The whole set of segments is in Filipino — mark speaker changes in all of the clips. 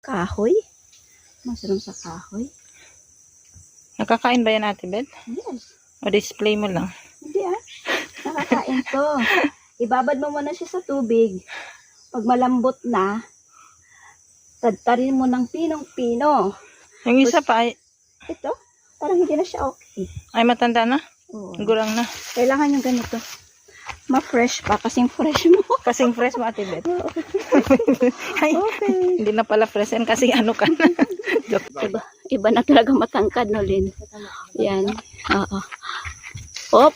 Speaker 1: kahoy. Mushroom sa kahoy.
Speaker 2: Nakakain ba yan, Ate Beth?
Speaker 1: Yes.
Speaker 2: O display mo lang?
Speaker 1: Hindi nakakain to. Ibabad mo muna siya sa tubig. Pag malambot na, tadtarin mo ng pinong-pino.
Speaker 2: Yung isa pa ay
Speaker 1: Ito, parang hindi na siya okay.
Speaker 2: matanda na?
Speaker 1: Oo.
Speaker 2: Gurang na.
Speaker 1: Kailangan yung ganito. Ma-fresh pa, kasing fresh mo.
Speaker 2: Kasing fresh mo, Ate Beth. Ay,
Speaker 1: Okay.
Speaker 2: hindi na pala fresh yan kasi ano ka na. Joke.
Speaker 1: Iba na talaga matangkad, no, Lin? Yan. Oo. Op.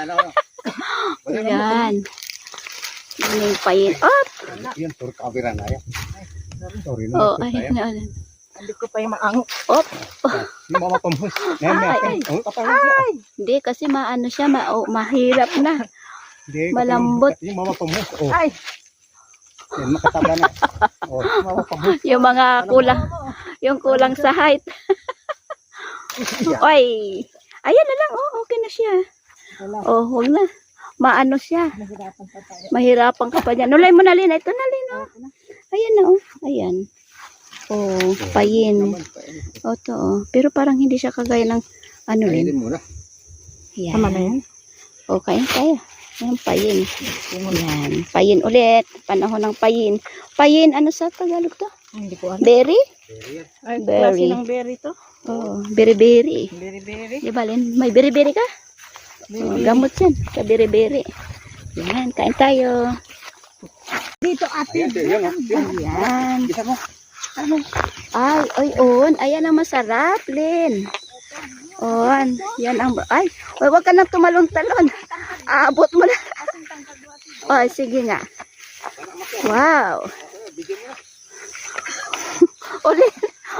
Speaker 1: Yan. Yan yung payin. Op.
Speaker 3: Yan, tur camera na yan. Sorry
Speaker 1: Oh,
Speaker 3: na.
Speaker 1: ay, na.
Speaker 2: Hindi ko pa yung maango.
Speaker 1: Op.
Speaker 3: Yung mama pamus.
Speaker 1: Ay. Hindi, kasi maano siya, mahirap na. Malambot.
Speaker 3: Yung mama pamus. Oh,
Speaker 2: Ay,
Speaker 3: yan, makataba na. Oh, mama pamus.
Speaker 1: Yung mga kulang, yung kulang sa height. Oy. Ayan na lang, oh, okay na siya. Oh, huwag na. Maano siya. Mahirapan ka pa dyan. Nulay mo na, Lin. Ito na, Lin, oh. Ayan na, oh. Ayan. Oh, payin. Oh, to, oh. Pero parang hindi siya kagaya ng ano, Lin.
Speaker 3: Kainin mo na.
Speaker 1: Ayan.
Speaker 2: tama na yan.
Speaker 1: Oh, kain tayo. Ayan, payin. Ayan. Payin ulit. Panahon ng payin. Payin, ano sa Tagalog to?
Speaker 2: Hindi ko alam.
Speaker 1: Berry?
Speaker 2: Ay,
Speaker 1: Berry.
Speaker 2: klase ng berry to.
Speaker 1: Oh, berry-berry.
Speaker 2: Berry.
Speaker 1: Di ba, Lin? May berry-berry ka? Oh, gamot yan. Sa berry-berry. Yan, kain tayo.
Speaker 2: Dito, Ate.
Speaker 3: Ayan, yan.
Speaker 1: Ayan.
Speaker 3: Isa mo.
Speaker 1: Ay, oy, on. Ayan ang masarap, Lin. On. Yan ang... Ay, oy, wag ka nang tumalon-talon. Aabot mo na. Oy, sige nga. Wow. Ulit.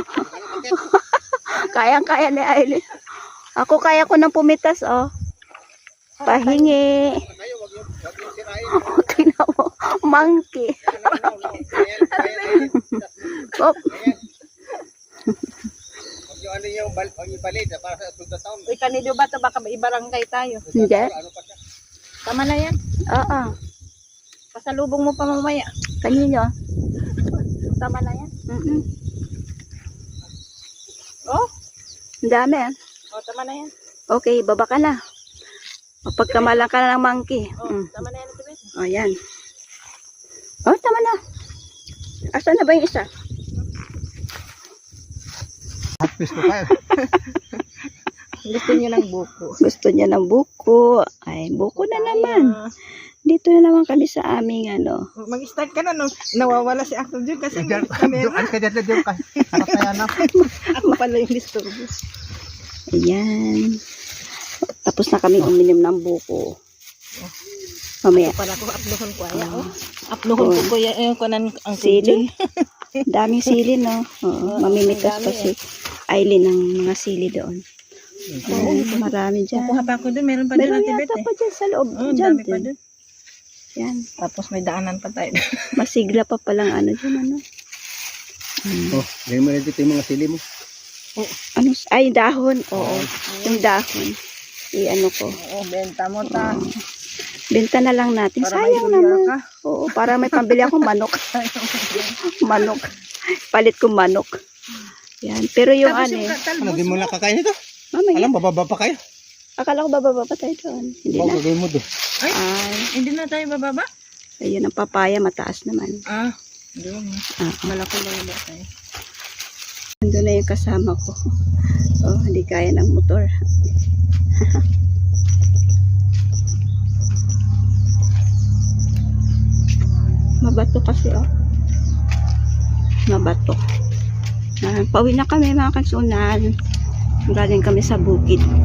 Speaker 1: Kayang-kaya ni Aileen. Ako kaya ko nang pumitas, oh. Pahingi. Tingnan mo. Monkey. Oh.
Speaker 3: Yung ano yung balid para sa tuta taon.
Speaker 2: Uy, kanino ba ito? Baka ibarangay tayo.
Speaker 1: Hindi.
Speaker 2: Tama na yan.
Speaker 1: Oo.
Speaker 2: Pasalubong mo pa mamaya.
Speaker 1: Kanino?
Speaker 2: Tama na yan. Oh,
Speaker 1: Ang dami, ah.
Speaker 2: tama na yan.
Speaker 1: Okay, baba ka na. Mapagkamalan ka na ng monkey.
Speaker 2: Tama na yan, Ate Beth.
Speaker 1: O, yan. Oh, tama na. Asan na ba yung isa?
Speaker 3: Hapis ko kayo.
Speaker 2: Gusto niyo ng buko.
Speaker 1: Gusto niya ng buko. Ay, buko na naman. Dito na naman kami sa aming ano.
Speaker 2: Mag-start ka na, no? Nawawala si Uncle Jun kasi may
Speaker 3: Ano
Speaker 2: camera.
Speaker 3: ka dyan dyan ka? Harap kaya na.
Speaker 2: Ako pala yung disturbo.
Speaker 1: Ayan. Tapos na kami uminom ng buko. Mamaya.
Speaker 2: Para ko uploadon ko aya, oh. Uploadon ko kuya yung kanan ang
Speaker 1: Sili. Daming sili, no? Oo, mamimitas pa si Aileen ng mga sili doon. Ayan, marami dyan.
Speaker 2: Kukuha pa ako dun, meron pa dun,
Speaker 1: Meron
Speaker 2: Ate Beth,
Speaker 1: yata
Speaker 2: eh.
Speaker 1: pa dyan sa loob.
Speaker 2: Oh,
Speaker 1: Dyan
Speaker 2: dami pa
Speaker 1: din.
Speaker 2: dun.
Speaker 1: Yan.
Speaker 2: Tapos may daanan pa tayo.
Speaker 1: Masigla pa palang ano dyan, ano?
Speaker 3: Oh, ganyan mo na dito yung mga sili mo.
Speaker 1: Ano? Ay, dahon. Oo. Yung dahon. I-ano ko.
Speaker 2: Oo, benta mo ta.
Speaker 1: Benta na lang natin.
Speaker 2: Para may
Speaker 1: Sayang
Speaker 2: dolyar
Speaker 1: naman.
Speaker 2: ka.
Speaker 1: Oo, para may pambili akong manok. Manok. Palit ko manok. Yan. Pero yung
Speaker 2: Tapos
Speaker 1: ano
Speaker 2: yung
Speaker 1: eh.
Speaker 3: Ano, di mo na kakain ito?
Speaker 1: Mamaya.
Speaker 3: Alam, bababa pa kayo.
Speaker 1: Akala ko bababa pa tayo doon. Hindi
Speaker 3: Bago
Speaker 1: na.
Speaker 3: gagawin mo doon.
Speaker 1: Ay.
Speaker 2: Hindi na tayo bababa?
Speaker 1: Ayun ang papaya. Mataas naman.
Speaker 2: Doon.
Speaker 1: Ah.
Speaker 2: Malaki ba tayo?
Speaker 1: Nandun na yung kasama ko. Oh, hindi kaya ng motor. Mabato kasi, oh. Mabato. Pauwi na kami, mga kansunan. Galing kami sa bukid.